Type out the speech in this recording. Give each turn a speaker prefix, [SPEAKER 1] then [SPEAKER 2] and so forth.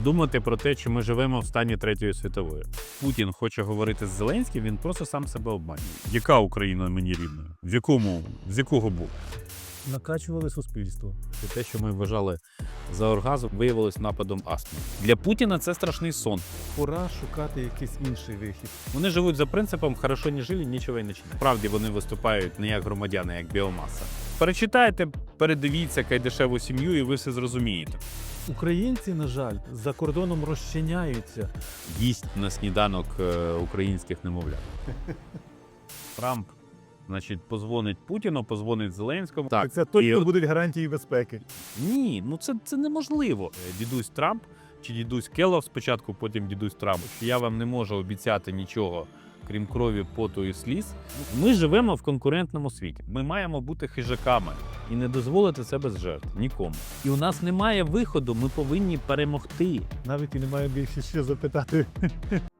[SPEAKER 1] думати про те, чи ми живемо в стані Третьої світової. Путін хоче говорити з Зеленським, він просто сам себе обманює. Яка Україна мені рідна? З якого боку?
[SPEAKER 2] Накачували суспільство.
[SPEAKER 1] Те, що ми вважали за оргазм, виявилось нападом астми. Для Путіна це страшний сон.
[SPEAKER 2] Пора шукати якийсь інший вихід.
[SPEAKER 1] Вони живуть за принципом «хорошо не жили, нічого й не чинили». Справді вони виступають не як громадяни, а як біомаса. Перечитайте, передивіться Кайдашеву сім'ю і ви все зрозумієте.
[SPEAKER 2] Українці, на жаль, за кордоном розчиняються.
[SPEAKER 1] Їсть на сніданок українських немовлят. Трамп, значить, позвонить Путіну, позвонить Зеленському.
[SPEAKER 2] Так, це точно будуть гарантії безпеки.
[SPEAKER 1] Ні, ну це неможливо. Дідусь Трамп чи дідусь Келлог спочатку, потім дідусь Трамп. Я вам не можу обіцяти нічого, крім крові, поту і сліз. Ми живемо в конкурентному світі. Ми маємо бути хижаками і не дозволити це без жертв нікому. І у нас немає виходу, ми повинні перемогти.
[SPEAKER 2] Навіть і немає більше що запитати.